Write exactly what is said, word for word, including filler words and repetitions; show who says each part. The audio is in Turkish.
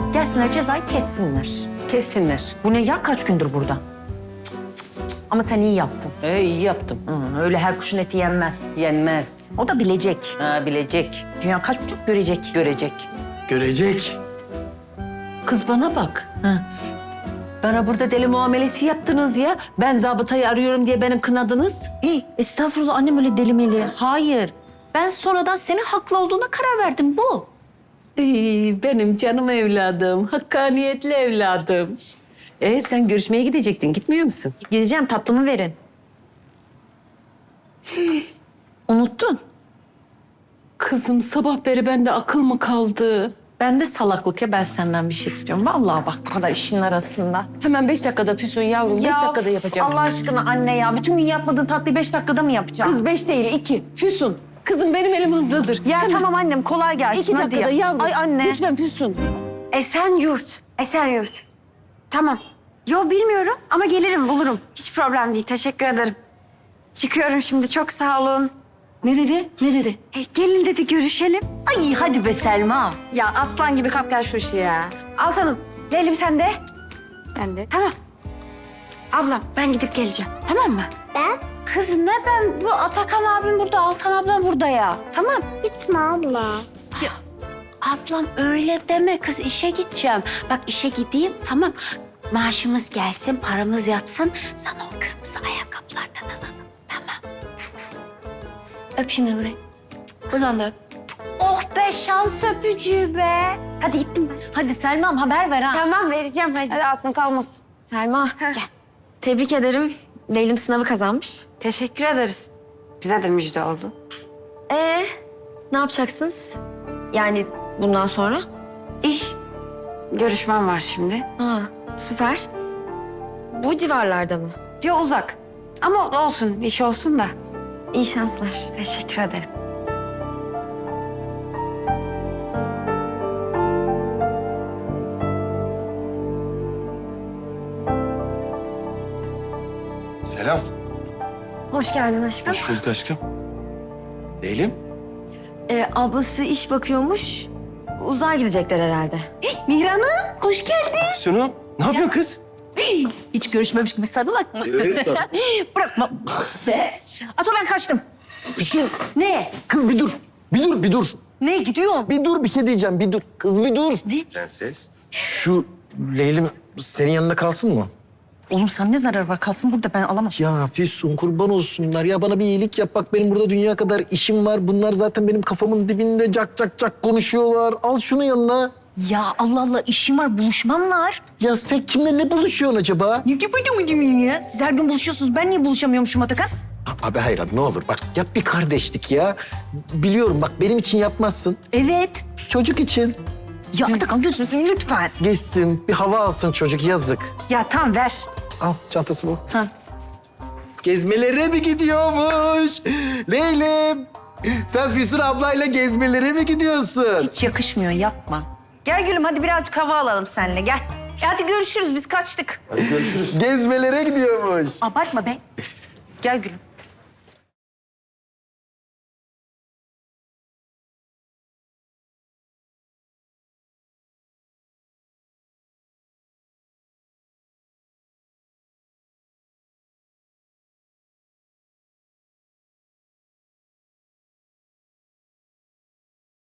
Speaker 1: Gelsinler cezayı kessinler.
Speaker 2: Kessinler.
Speaker 1: Bu ne ya, kaç gündür burada? Cık, cık, cık. Ama sen iyi yaptın.
Speaker 2: Ee, iyi yaptım.
Speaker 1: Hı, öyle her kuşun eti yenmez.
Speaker 2: Yenmez.
Speaker 1: O da bilecek.
Speaker 2: Ha, bilecek,
Speaker 1: Dünya kaç buçuk görecek.
Speaker 2: görecek.
Speaker 3: Görecek.
Speaker 2: Kız bana bak.
Speaker 1: Hı.
Speaker 2: Bana burada deli muamelesi yaptınız ya. Ben zabıtayı arıyorum diye beni kınadınız.
Speaker 1: İyi, estağfurullah annem öyle delimeli. Hayır. Ben sonradan senin haklı olduğuna karar verdim, bu.
Speaker 2: Ee, benim canım evladım, hakkaniyetli evladım. Ee, sen görüşmeye gidecektin, gitmiyor musun?
Speaker 1: Gideceğim, tatlımı verin. Unuttun.
Speaker 2: Kızım sabah beri bende akıl mı kaldı?
Speaker 1: Ben de salaklık ya, ben senden bir şey istiyorum. Vallahi bak, bu kadar işin arasında.
Speaker 2: Hemen beş dakikada Füsun yavrum, beş dakikada yapacağım.
Speaker 1: Allah aşkına anne ya, bütün gün yapmadığın tatlıyı beş dakikada mı yapacağım?
Speaker 2: Kız beş değil, iki. Füsun, kızım benim elim hızlıdır.
Speaker 1: Ya
Speaker 2: Hemen.
Speaker 1: tamam annem, kolay gelsin.
Speaker 2: İki
Speaker 1: hadi
Speaker 2: dakikada
Speaker 1: ya.
Speaker 2: yavrum.
Speaker 1: Ay anne.
Speaker 2: Lütfen Füsun.
Speaker 4: Esenyurt. Esenyurt. Tamam. Yo bilmiyorum ama gelirim bulurum. Hiç problem değil. Teşekkür ederim. Çıkıyorum şimdi. Çok sağ olun.
Speaker 1: Ne dedi? Ne dedi?
Speaker 4: E, gelin dedi görüşelim.
Speaker 1: Ay hadi be Selma.
Speaker 4: Ya aslan gibi kapkar şu işi ya. Altanım. Leylim sen de. Ben de. Tamam. Ablam ben gidip geleceğim. Tamam mı?
Speaker 5: Ben?
Speaker 4: Kız ne ben? Bu Atakan abim burada, Altan ablam burada ya. Tamam.
Speaker 5: Gitme abla.
Speaker 4: Ablam öyle deme kız, işe gideceğim. Bak işe gideyim tamam. Maaşımız gelsin, paramız yatsın. Sana o kırmızı ayakkabılardan alalım. Tamam. Öp şimdi burayı. Buradan da öp. Oh be, şans öpücüğü be. Hadi gittim ben.
Speaker 1: Hadi Selma'm haber ver ha.
Speaker 4: Tamam vereceğim hadi.
Speaker 5: Hadi aklın kalmasın. Selma,
Speaker 4: Gel.
Speaker 5: tebrik ederim. Leylim sınavı kazanmış.
Speaker 4: Teşekkür ederiz. Bize de müjde oldu.
Speaker 5: Ee, ne yapacaksınız? Yani bundan sonra?
Speaker 4: İş. Görüşmem var şimdi.
Speaker 5: Ha, süper. Bu civarlarda mı?
Speaker 4: Yo uzak. Ama olsun, iş olsun da.
Speaker 5: İyi şanslar.
Speaker 4: Teşekkür ederim.
Speaker 3: Selam.
Speaker 5: Hoş geldin aşkım.
Speaker 3: Hoş bulduk aşkım. Leylim.
Speaker 5: Ee, ablası iş bakıyormuş. Uzağa gidecekler herhalde.
Speaker 1: Mihran'ım hoş geldin.
Speaker 3: Füsun'um. Ne yapıyorsun kız?
Speaker 1: Hiç görüşmemiş gibi sarılak mı? Bırakma. Be. Ato ben kaçtım.
Speaker 3: Füsun.
Speaker 1: Ne?
Speaker 3: Kız bir dur. Bir dur, bir dur.
Speaker 1: Ne gidiyorum?
Speaker 3: Bir dur, bir şey diyeceğim. Bir dur. Kız bir dur.
Speaker 1: Ne?
Speaker 3: Prenses. Şu Leylim senin yanında kalsın mı?
Speaker 1: Oğlum sen ne zarar var? Kalsın burada, ben alamam.
Speaker 3: Ya Füsun kurban olsunlar. Ya bana bir iyilik yap. Bak benim burada dünya kadar işim var. Bunlar zaten benim kafamın dibinde cak cak cak konuşuyorlar. Al şunu yanına.
Speaker 1: Ya Allah Allah, işim var, buluşmam var.
Speaker 3: Ya sen kimle ne buluşuyorsun acaba?
Speaker 1: Ne yapıyorsun ya? Siz her gün buluşuyorsunuz. Ben niye buluşamıyormuşum Atakan?
Speaker 3: Abi hayır ne olur bak yap bir kardeşlik ya. Biliyorum bak benim için yapmazsın.
Speaker 1: Evet.
Speaker 3: Çocuk için.
Speaker 1: Ya Atakan gözünü seveyim lütfen.
Speaker 3: Geçsin bir hava alsın çocuk yazık.
Speaker 1: Ya tamam ver.
Speaker 3: Al çantası bu.
Speaker 1: Ha.
Speaker 3: Gezmelere mi gidiyormuş? Leylim. Sen Füsun ablayla gezmelere mi gidiyorsun?
Speaker 1: Hiç yakışmıyor, yapma. Gel gülüm, hadi birazcık hava alalım seninle, gel. E hadi görüşürüz, biz kaçtık.
Speaker 3: Gezmelere gidiyormuş.
Speaker 1: Abartma be. Gel gülüm.